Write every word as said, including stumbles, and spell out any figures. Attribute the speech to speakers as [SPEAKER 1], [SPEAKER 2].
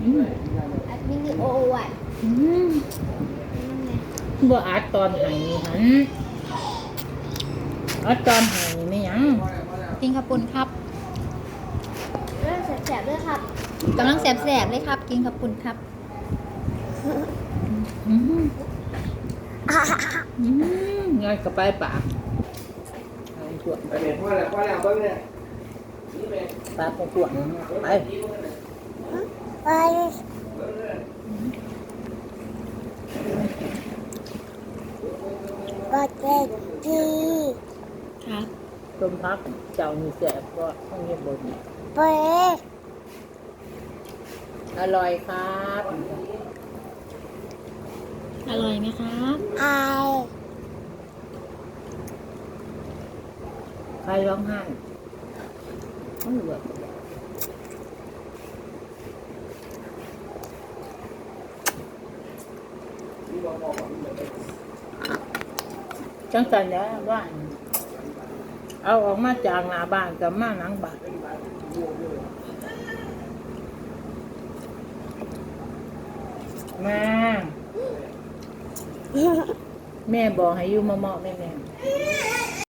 [SPEAKER 1] อัดวิดีโอไว้
[SPEAKER 2] บ่อัดตอนไหนหันอัดตอนไหนไม่ยังกินข้าวปุ้นครับ
[SPEAKER 1] เรื่องแสบๆด้วยครับ
[SPEAKER 2] กำลังแสบๆเลยครับกินข้าวปุ้นครับอืมอืมง่ายกับไปปากเอาขวด
[SPEAKER 3] ไปเด็ดพ่อแล้วพ่อแล้วเบิ้งเนี่ย
[SPEAKER 2] ปากของขวดไป
[SPEAKER 1] ไปก็เจ็ดที
[SPEAKER 2] ครับต้มพักเจ้ามีแสบก็ต้องเรียบบน
[SPEAKER 1] ไป
[SPEAKER 2] อร่อยครับ อร่อยไหมครับ
[SPEAKER 1] ไอ
[SPEAKER 2] ใครร้องไห้ต้องเหลือจังกันแล้วว่าเอาออกมาจากหน้าบ้านกับมาหลังบ้านแม่แม่บอกให้อยู่มาเหมาะแม่แม่